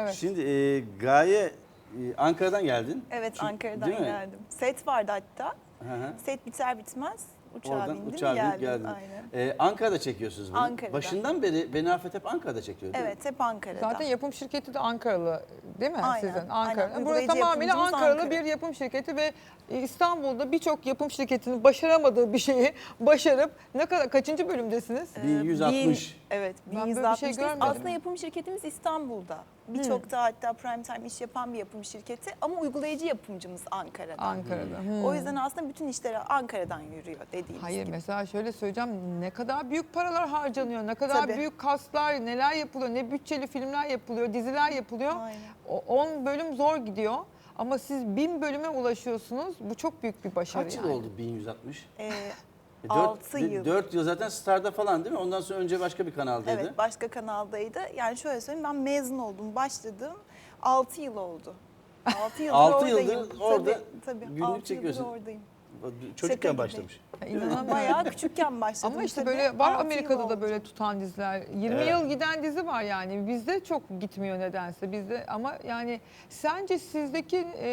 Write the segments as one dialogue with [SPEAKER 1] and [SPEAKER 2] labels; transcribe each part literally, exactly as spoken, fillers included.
[SPEAKER 1] Evet.
[SPEAKER 2] Şimdi e, Gaye e, Ankara'dan geldin.
[SPEAKER 3] Evet,
[SPEAKER 2] Çünkü-
[SPEAKER 3] Ankara'dan
[SPEAKER 2] değil mi?
[SPEAKER 3] geldim. Set vardı hatta.
[SPEAKER 2] Hı hı.
[SPEAKER 3] Set biter bitmez uçağa
[SPEAKER 2] Oradan
[SPEAKER 3] bindim
[SPEAKER 2] uçağa binip
[SPEAKER 3] geldim.
[SPEAKER 2] geldin.
[SPEAKER 3] Aynen.
[SPEAKER 2] E, Ankara'da çekiyorsunuz bunu.
[SPEAKER 3] Ankara'da.
[SPEAKER 2] Başından beri Beni Affet hep Ankara'da çekiyor değil mi?
[SPEAKER 3] Evet, hep Ankara'da.
[SPEAKER 1] Zaten yapım şirketi de Ankaralı değil mi
[SPEAKER 3] Aynen,
[SPEAKER 1] sizin?
[SPEAKER 3] aynen.
[SPEAKER 1] Ankara. Burası
[SPEAKER 3] Uygulayıcı
[SPEAKER 1] tamamıyla
[SPEAKER 3] yapımcımız
[SPEAKER 1] Ankaralı
[SPEAKER 3] Ankara.
[SPEAKER 1] bir yapım şirketi ve İstanbul'da birçok yapım şirketinin başaramadığı bir şeyi başarıp ne kadar kaçıncı bölümdesiniz?
[SPEAKER 3] Ee,
[SPEAKER 2] bin yüz altmış.
[SPEAKER 3] bin- evet,
[SPEAKER 1] Ben böyle bir şey
[SPEAKER 3] bin yüz altmış.
[SPEAKER 1] görmedim.
[SPEAKER 3] Aslında yapım şirketimiz İstanbul'da. Birçok da hatta prime time iş yapan bir yapım şirketi ama uygulayıcı yapımcımız Ankara'da.
[SPEAKER 1] Ankara'da. Hmm.
[SPEAKER 3] O yüzden aslında bütün işler Ankara'dan yürüyor dediğimiz
[SPEAKER 1] Hayır
[SPEAKER 3] gibi.
[SPEAKER 1] mesela şöyle söyleyeceğim, ne kadar büyük paralar harcanıyor, ne kadar
[SPEAKER 3] Tabii.
[SPEAKER 1] büyük kaslar, neler yapılıyor, ne bütçeli filmler yapılıyor, diziler yapılıyor.
[SPEAKER 3] Aynen.
[SPEAKER 1] on bölüm zor gidiyor ama siz bin bölüme ulaşıyorsunuz. Bu çok büyük bir başarı
[SPEAKER 2] Kaç yıl
[SPEAKER 1] yani.
[SPEAKER 2] oldu bin yüz altmış?
[SPEAKER 3] Ee,
[SPEAKER 2] E,
[SPEAKER 3] Altı
[SPEAKER 2] dört-
[SPEAKER 3] yıl.
[SPEAKER 2] dört yıl zaten Star'da falan değil mi? Ondan sonra önce başka bir kanaldaydı.
[SPEAKER 3] evet, başka kanaldaydı. Yani şöyle söyleyeyim, ben mezun oldum, başladım. altı yıl oldu. altı yıldır
[SPEAKER 2] Altı
[SPEAKER 3] oradayım.
[SPEAKER 2] yıldır orada
[SPEAKER 3] tabii, tabii.
[SPEAKER 2] günlük
[SPEAKER 3] altı yıldır
[SPEAKER 2] çekiyorsun.
[SPEAKER 3] oradayım.
[SPEAKER 2] Çocukken
[SPEAKER 3] gibi.
[SPEAKER 2] başlamış.
[SPEAKER 1] Ya İnanamıyorum.
[SPEAKER 3] Bayağı küçükken başladım.
[SPEAKER 1] Ama işte
[SPEAKER 3] tabii.
[SPEAKER 1] böyle var
[SPEAKER 3] Altı yıl
[SPEAKER 1] Amerika'da
[SPEAKER 3] oldu.
[SPEAKER 1] da böyle tutan diziler. yirmi
[SPEAKER 2] Evet.
[SPEAKER 1] yıl giden dizi var yani. Bizde çok gitmiyor nedense. Bizde ama yani sence sizdeki e,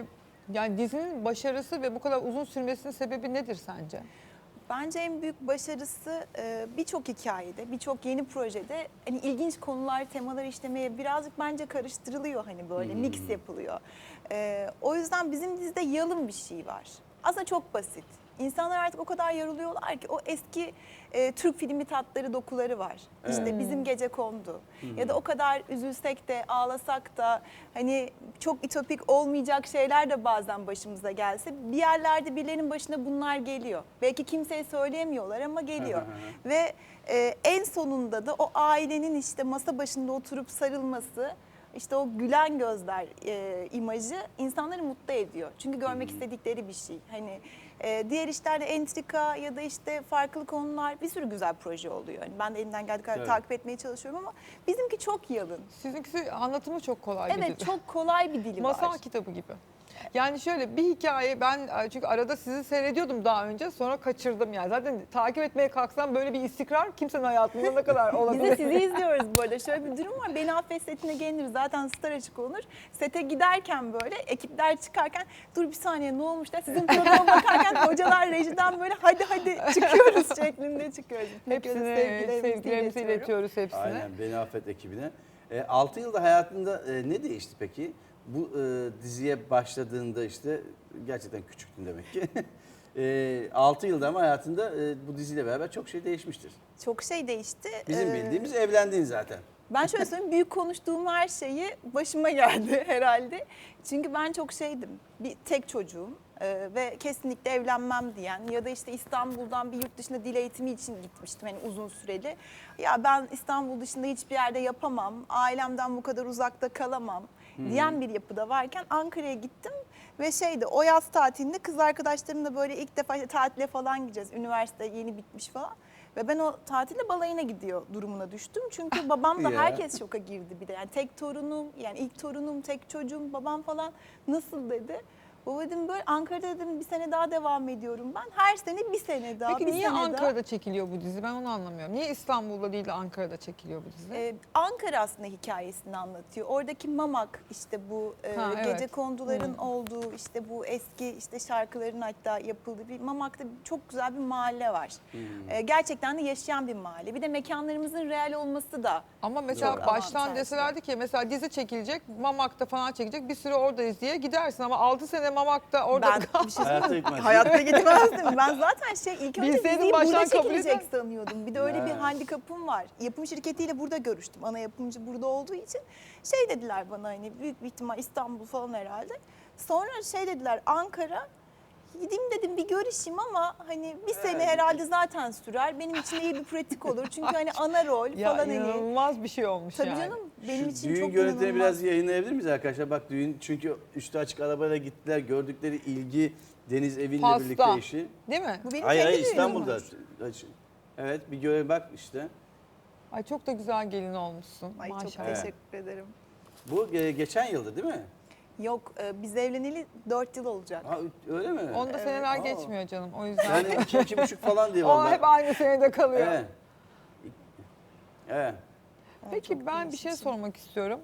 [SPEAKER 1] yani dizinin başarısı ve bu kadar uzun sürmesinin sebebi nedir sence?
[SPEAKER 3] Bence en büyük başarısı e, birçok hikayede, birçok yeni projede hani ilginç konular, temalar işlemeye birazcık bence karıştırılıyor, hani böyle
[SPEAKER 2] Hmm.
[SPEAKER 3] mix yapılıyor. E, o yüzden bizim dizide yalın bir şey var. Aslında çok basit. İnsanlar artık o kadar yoruluyorlar ki o eski e, Türk filmi tatları, dokuları var. İşte
[SPEAKER 2] Evet.
[SPEAKER 3] Bizim Gecekondu. Ya da o kadar üzülsek de ağlasak da hani çok ütopik olmayacak şeyler de bazen başımıza gelse bir yerlerde birilerinin başına bunlar geliyor. Belki kimseye söyleyemiyorlar ama geliyor. Ve e, en sonunda da o ailenin işte masa başında oturup sarılması, işte o gülen gözler e, imajı insanları mutlu ediyor. Çünkü görmek istedikleri bir şey. Hani e, diğer işlerde entrika ya da işte farklı konular, bir sürü güzel proje oluyor. Hani ben de elimden geldiği kadar
[SPEAKER 2] Evet.
[SPEAKER 3] takip etmeye çalışıyorum ama bizimki çok yalın.
[SPEAKER 1] Sizinkisi anlatımı çok kolay bir
[SPEAKER 3] Evet,
[SPEAKER 1] dizi.
[SPEAKER 3] çok kolay bir dili
[SPEAKER 1] Masal
[SPEAKER 3] var.
[SPEAKER 1] kitabı gibi. Yani şöyle bir hikaye, ben çünkü arada sizi seyrediyordum daha önce, sonra kaçırdım yani. Zaten takip etmeye kalksam böyle bir istikrar kimsenin hayatında ne kadar
[SPEAKER 3] Biz de
[SPEAKER 1] olabilir?
[SPEAKER 3] sizi izliyoruz bu arada. Şöyle bir durum var. Beni Affet setine gelinir. Zaten Star açık olur. Sete giderken böyle ekipler çıkarken dur bir saniye ne olmuş da sizin programa bakarken hocalar rejiden böyle hadi hadi çıkıyoruz şeklinde çıkıyoruz.
[SPEAKER 1] Hepsine
[SPEAKER 3] sevgilerimizi
[SPEAKER 1] sevgilerimizi
[SPEAKER 3] iletiyorum.
[SPEAKER 1] iletiyoruz hepsine.
[SPEAKER 2] Aynen Beni Affet ekibine. E, altı yılda hayatında e, ne değişti peki? Bu e, diziye başladığında işte gerçekten küçüktün demek ki. e, altı yılda ama hayatında e, bu diziyle beraber çok şey değişmiştir.
[SPEAKER 3] Çok şey değişti.
[SPEAKER 2] Bizim
[SPEAKER 3] Ee,
[SPEAKER 2] bildiğimiz evlendin zaten.
[SPEAKER 3] Ben şöyle söyleyeyim, büyük konuştuğum her şeyi başıma geldi herhalde. Çünkü ben çok şeydim, bir tek çocuğum e, ve kesinlikle evlenmem diyen ya da işte İstanbul'dan bir yurt dışına dil eğitimi için gitmiştim hani uzun süreli. Ya ben İstanbul dışında hiçbir yerde yapamam, ailemden bu kadar uzakta kalamam diyen bir yapıda varken Ankara'ya gittim. Ve şeydi, o yaz tatilinde kız arkadaşlarımla böyle ilk defa işte tatile falan gideceğiz. Üniversite yeni bitmiş falan. Ve ben o tatilde balayına gidiyor durumuna düştüm. Çünkü babam da
[SPEAKER 2] Ya.
[SPEAKER 3] herkes şoka girdi bir de. Yani tek torunum, yani ilk torunum, tek çocuğum, babam falan nasıl dedi. Baba dedim böyle Ankara'da dedim bir sene daha devam ediyorum ben. Her sene bir sene daha,
[SPEAKER 1] Peki
[SPEAKER 3] bir
[SPEAKER 1] niye
[SPEAKER 3] sene
[SPEAKER 1] Ankara'da
[SPEAKER 3] daha.
[SPEAKER 1] çekiliyor bu dizi? Ben onu anlamıyorum. Niye İstanbul'da değil de Ankara'da çekiliyor bu dizi?
[SPEAKER 3] Ee, Ankara aslında hikayesini anlatıyor. Oradaki Mamak işte bu e,
[SPEAKER 1] Ha, evet.
[SPEAKER 3] gece konduların
[SPEAKER 1] Hı.
[SPEAKER 3] olduğu işte bu eski işte şarkıların hatta yapıldığı bir Mamak'ta çok güzel bir mahalle var. Ee, gerçekten de yaşayan bir mahalle. Bir de mekanlarımızın real olması da
[SPEAKER 1] Ama mesela
[SPEAKER 3] Çok
[SPEAKER 1] baştan
[SPEAKER 3] avantajlı.
[SPEAKER 1] deselerdi ki mesela dizi çekilecek, Mamak'ta falan çekilecek, bir süre oradayız diye gidersin ama altı sene Mamak'ta orada
[SPEAKER 3] ben bir şey
[SPEAKER 2] Hayatta
[SPEAKER 3] söyleyeyim.
[SPEAKER 2] gitmez.
[SPEAKER 3] Hayatta gitmezdim. Ben zaten şey ilk önce
[SPEAKER 1] Bilseydin
[SPEAKER 3] diziyi
[SPEAKER 1] baştan
[SPEAKER 3] burada
[SPEAKER 1] kabul
[SPEAKER 3] çekilecek
[SPEAKER 1] eder.
[SPEAKER 3] sanıyordum. Bir de öyle bir
[SPEAKER 2] Ya.
[SPEAKER 3] handikapım var. Yapım şirketiyle burada görüştüm. Ana yapımcı burada olduğu için şey dediler bana hani büyük bir ihtimal İstanbul falan herhalde. Sonra şey dediler Ankara. Gideyim dedim bir görüşeyim ama hani bir sene
[SPEAKER 2] Evet.
[SPEAKER 3] herhalde zaten sürer. Benim için iyi bir pratik olur. Çünkü hani ana rol
[SPEAKER 1] ya
[SPEAKER 3] falan hani.
[SPEAKER 1] inanılmaz bir şey olmuş
[SPEAKER 3] Tabii
[SPEAKER 1] yani.
[SPEAKER 3] canım benim
[SPEAKER 2] Şu
[SPEAKER 3] için
[SPEAKER 2] düğün
[SPEAKER 3] çok
[SPEAKER 2] görüntülerini
[SPEAKER 3] inanılmaz.
[SPEAKER 2] biraz yayınlayabilir miyiz arkadaşlar? Bak düğün çünkü üstü açık arabayla gittiler. Gördükleri ilgi Deniz Evin'le
[SPEAKER 1] Pasta.
[SPEAKER 2] birlikte eşi.
[SPEAKER 1] Değil mi?
[SPEAKER 3] Bu benim
[SPEAKER 2] Hayır
[SPEAKER 3] kendi
[SPEAKER 2] hayır
[SPEAKER 3] düğünüm
[SPEAKER 2] İstanbul'da.
[SPEAKER 3] var.
[SPEAKER 2] Evet bir göre bak işte.
[SPEAKER 1] Ay çok da güzel gelin olmuşsun.
[SPEAKER 3] Ay çok
[SPEAKER 1] Maşallah.
[SPEAKER 2] Evet.
[SPEAKER 3] teşekkür ederim.
[SPEAKER 2] Bu e, geçen yıldı değil mi?
[SPEAKER 3] Yok e, biz evleneli dört yıl olacak.
[SPEAKER 2] Ha, öyle mi?
[SPEAKER 1] Onda
[SPEAKER 3] Evet.
[SPEAKER 1] seneler
[SPEAKER 2] Aa.
[SPEAKER 1] geçmiyor canım o yüzden.
[SPEAKER 2] Yani iki, iki buçuk falan diye
[SPEAKER 1] o
[SPEAKER 2] vallahi.
[SPEAKER 1] hep aynı senede kalıyor.
[SPEAKER 2] Evet. Evet.
[SPEAKER 1] Peki
[SPEAKER 3] çok
[SPEAKER 1] ben bir şey
[SPEAKER 3] değişik.
[SPEAKER 1] sormak istiyorum.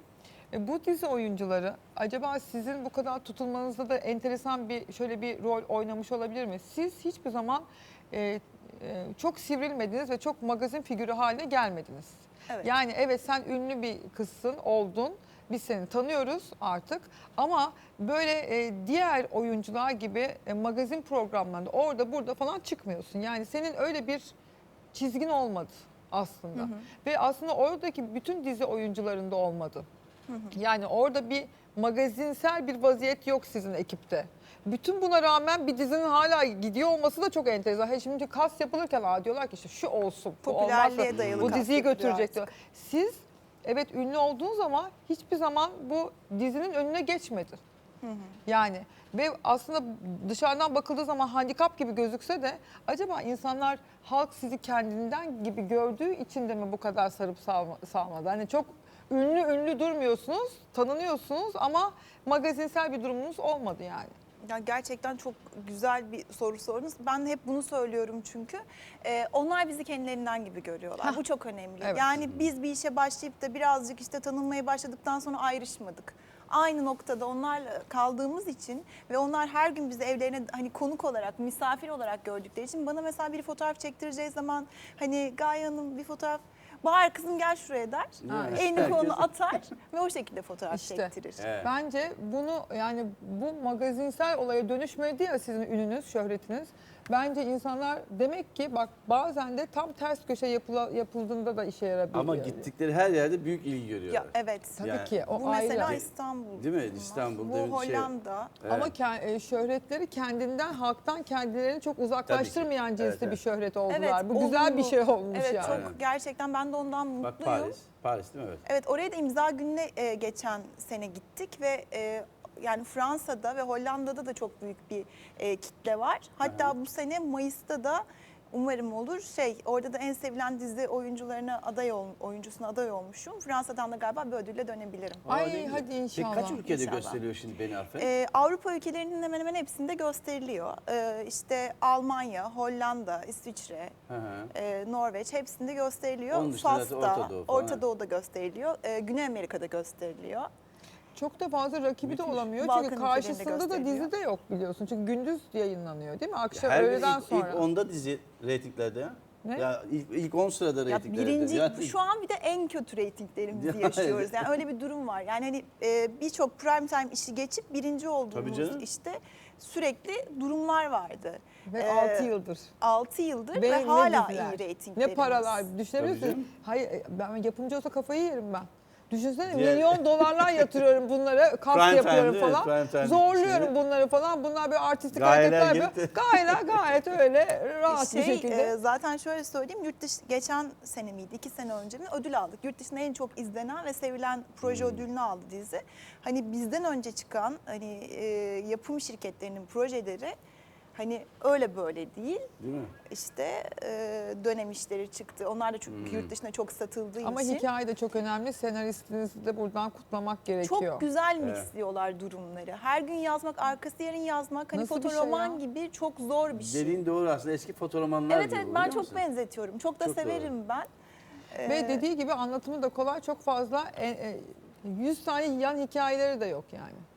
[SPEAKER 1] E, bu dizi oyuncuları acaba sizin bu kadar tutulmanızda da enteresan bir şöyle bir rol oynamış olabilir mi? Siz hiçbir zaman e, e, çok sivrilmediniz ve çok magazin figürü haline gelmediniz.
[SPEAKER 3] Evet.
[SPEAKER 1] Yani evet sen ünlü bir kızsın, oldun. Biz seni tanıyoruz artık ama böyle e, diğer oyuncular gibi e, magazin programlarında orada burada falan çıkmıyorsun. Yani senin öyle bir çizgin olmadı aslında.
[SPEAKER 3] Hı hı.
[SPEAKER 1] Ve aslında oradaki bütün dizi oyuncularında olmadı.
[SPEAKER 3] Hı hı.
[SPEAKER 1] Yani orada bir magazinsel bir vaziyet yok sizin ekipte. Bütün buna rağmen bir dizinin hala gidiyor olması da çok enteresan. He, şimdi kas yapılırken aa, diyorlar ki işte şu olsun, bu olmazsa
[SPEAKER 3] Popülerliğe dayalı
[SPEAKER 1] bu
[SPEAKER 3] kas
[SPEAKER 1] diziyi
[SPEAKER 3] yapılıyor
[SPEAKER 1] götürecek
[SPEAKER 3] artık.
[SPEAKER 1] diyor. Siz evet ünlü olduğunuz ama hiçbir zaman bu dizinin önüne geçmedi.
[SPEAKER 3] Hı hı.
[SPEAKER 1] Yani ve aslında dışarıdan bakıldığı zaman handikap gibi gözükse de acaba insanlar halk sizi kendinden gibi gördüğü için de mi bu kadar sarıp salma, salmadı? Hani çok ünlü ünlü durmuyorsunuz, tanınıyorsunuz ama magazinsel bir durumunuz olmadı yani.
[SPEAKER 3] Ya gerçekten çok güzel bir soru sordunuz. Ben hep bunu söylüyorum çünkü. Ee, onlar bizi kendilerinden gibi görüyorlar.
[SPEAKER 1] Hah.
[SPEAKER 3] Bu çok önemli.
[SPEAKER 1] Evet.
[SPEAKER 3] Yani biz bir işe başlayıp da birazcık işte tanınmaya başladıktan sonra ayrışmadık. Aynı noktada onlarla kaldığımız için ve onlar her gün bizi evlerine hani konuk olarak, misafir olarak gördükleri için bana mesela bir fotoğraf çektireceği zaman hani Gaye Hanım bir fotoğraf Bahar kızım gel şuraya der.
[SPEAKER 1] Ha,
[SPEAKER 3] Elini
[SPEAKER 2] herkes-
[SPEAKER 3] kolunu atar ve o şekilde fotoğraf
[SPEAKER 1] İşte.
[SPEAKER 3] çektirir.
[SPEAKER 2] Evet.
[SPEAKER 1] Bence bunu yani bu magazinsel olaya dönüşmedi ya sizin ününüz, şöhretiniz. Bence insanlar demek ki bak bazen de tam ters köşe yapıla, yapıldığında da işe yarabiliyor.
[SPEAKER 2] Ama gittikleri her yerde büyük ilgi görüyorlar.
[SPEAKER 3] Ya evet.
[SPEAKER 1] Tabii
[SPEAKER 2] Yani-
[SPEAKER 1] ki o
[SPEAKER 3] Bu
[SPEAKER 1] ayrı.
[SPEAKER 3] mesela İstanbul.
[SPEAKER 2] Değil mi?
[SPEAKER 3] bunlar.
[SPEAKER 2] İstanbul,
[SPEAKER 3] Bu
[SPEAKER 2] demin şey-
[SPEAKER 3] Hollanda.
[SPEAKER 2] Evet.
[SPEAKER 1] Ama ke- e, şöhretleri kendinden, halktan kendilerini çok uzaklaştırmayan cinsli
[SPEAKER 2] Evet, evet.
[SPEAKER 1] bir şöhret oldular.
[SPEAKER 3] Evet,
[SPEAKER 1] Bu güzel bir
[SPEAKER 3] olumlu.
[SPEAKER 1] şey olmuş
[SPEAKER 3] Evet
[SPEAKER 1] yani.
[SPEAKER 3] çok
[SPEAKER 2] Aynen.
[SPEAKER 3] gerçekten ben de ondan
[SPEAKER 2] Bak
[SPEAKER 3] mutluyum.
[SPEAKER 2] Paris. Paris değil mi? Evet.
[SPEAKER 3] Evet oraya da imza gününe e, geçen sene gittik ve e, yani Fransa'da ve Hollanda'da da çok büyük bir e, kitle var. Hatta
[SPEAKER 2] Aha.
[SPEAKER 3] bu sene Mayıs'ta da umarım olur şey orada da en sevilen dizi oyuncularına aday ol, oyuncusuna aday olmuşum. Fransa'dan da galiba bir ödülle dönebilirim.
[SPEAKER 1] Ay,
[SPEAKER 2] Aa, ne güzel.
[SPEAKER 1] hadi inşallah.
[SPEAKER 2] Peki kaç ülkede
[SPEAKER 3] İnşallah.
[SPEAKER 2] gösteriyor şimdi Beni Affet?
[SPEAKER 3] Ee, Avrupa ülkelerinin hemen hemen hepsinde gösteriliyor. Ee, işte Almanya, Hollanda, İsviçre,
[SPEAKER 2] Hı hı.
[SPEAKER 3] e, Norveç hepsinde gösteriliyor.
[SPEAKER 2] Onun dışında zaten
[SPEAKER 3] Fas'ta,
[SPEAKER 2] Orta Doğu falan.
[SPEAKER 3] Orta Doğu'da gösteriliyor. Ee, Güney Amerika'da gösteriliyor.
[SPEAKER 1] Çok da fazla rakibi de
[SPEAKER 2] Müthiş.
[SPEAKER 1] olamıyor.
[SPEAKER 3] Balkan
[SPEAKER 1] Çünkü
[SPEAKER 3] ülkelerinde
[SPEAKER 1] karşısında da
[SPEAKER 3] gösteriliyor.
[SPEAKER 1] dizi de yok biliyorsun. Çünkü gündüz yayınlanıyor değil mi? Akşam
[SPEAKER 2] Her gün
[SPEAKER 1] öğleden
[SPEAKER 2] ilk,
[SPEAKER 1] sonra.
[SPEAKER 2] ilk onda dizi reytinglerde ya.
[SPEAKER 1] Ne?
[SPEAKER 2] Ya ilk, ilk on sırada
[SPEAKER 3] Ya
[SPEAKER 2] reytinglerde.
[SPEAKER 3] birinci,
[SPEAKER 2] Yani-
[SPEAKER 3] şu an bir de en kötü reytinglerimizi
[SPEAKER 2] Ya,
[SPEAKER 3] yaşıyoruz. Yani öyle bir durum var. Yani hani e, birçok prime time işi geçip birinci
[SPEAKER 2] Tabii
[SPEAKER 3] olduğumuz
[SPEAKER 2] canım.
[SPEAKER 3] işte sürekli durumlar vardı.
[SPEAKER 1] Ve
[SPEAKER 3] Ee,
[SPEAKER 1] altı yıldır.
[SPEAKER 3] altı yıldır ve,
[SPEAKER 1] Ve ne
[SPEAKER 3] hala
[SPEAKER 1] diziler,
[SPEAKER 3] iyi reytinglerimiz.
[SPEAKER 1] Ne paralar düşünebiliyor
[SPEAKER 2] Tabii
[SPEAKER 1] musun? Hayır e, ben yapımcı olsa kafayı yerim ben. Düşünsene
[SPEAKER 2] Diğer-
[SPEAKER 1] milyon dolarlar yatırıyorum bunlara, kast
[SPEAKER 2] Prime time
[SPEAKER 1] yapıyorum
[SPEAKER 2] değil mi?
[SPEAKER 1] falan.
[SPEAKER 2] Prime time
[SPEAKER 1] Zorluyorum
[SPEAKER 2] şeyleri.
[SPEAKER 1] bunları falan. Bunlar böyle artistik
[SPEAKER 2] Gayeler
[SPEAKER 1] hareketler
[SPEAKER 2] gibi.
[SPEAKER 1] yapıyor. Gayeler gayet öyle rahat bir
[SPEAKER 3] Şey,
[SPEAKER 1] şekilde.
[SPEAKER 3] e, zaten şöyle söyleyeyim, yurt dışı geçen sene miydi, iki sene önce mi ödül aldık. Yurt dışında en çok izlenen ve sevilen proje
[SPEAKER 2] Hmm.
[SPEAKER 3] ödülünü aldı dizi. Hani bizden önce çıkan hani e, yapım şirketlerinin projeleri hani öyle böyle değil.
[SPEAKER 2] Değil mi?
[SPEAKER 3] İşte e, dönem işleri çıktı. Onlar da çünkü
[SPEAKER 2] Hmm.
[SPEAKER 3] yurt dışında çok satıldığı
[SPEAKER 1] Ama
[SPEAKER 3] için.
[SPEAKER 1] hikaye de çok önemli. Senaristinizi de buradan kutlamak gerekiyor.
[SPEAKER 3] Çok güzel
[SPEAKER 2] Evet.
[SPEAKER 3] mixliyorlar durumları. Her gün yazmak, arkası yarın yazmak hani
[SPEAKER 1] Nasıl bir şey
[SPEAKER 3] fotoroman
[SPEAKER 1] ya?
[SPEAKER 3] gibi çok zor bir şey.
[SPEAKER 2] Dediğin doğru aslında eski fotoromanlar
[SPEAKER 3] Evet
[SPEAKER 2] gibi
[SPEAKER 3] evet
[SPEAKER 2] bu,
[SPEAKER 3] ben
[SPEAKER 2] biliyor
[SPEAKER 3] çok
[SPEAKER 2] musun?
[SPEAKER 3] benzetiyorum. Çok da
[SPEAKER 2] Çok doğru.
[SPEAKER 3] severim ben.
[SPEAKER 1] Ve
[SPEAKER 3] Ee,
[SPEAKER 1] dediği gibi anlatımı da kolay, çok fazla e, e, yüz tane yan hikayeleri de yok yani.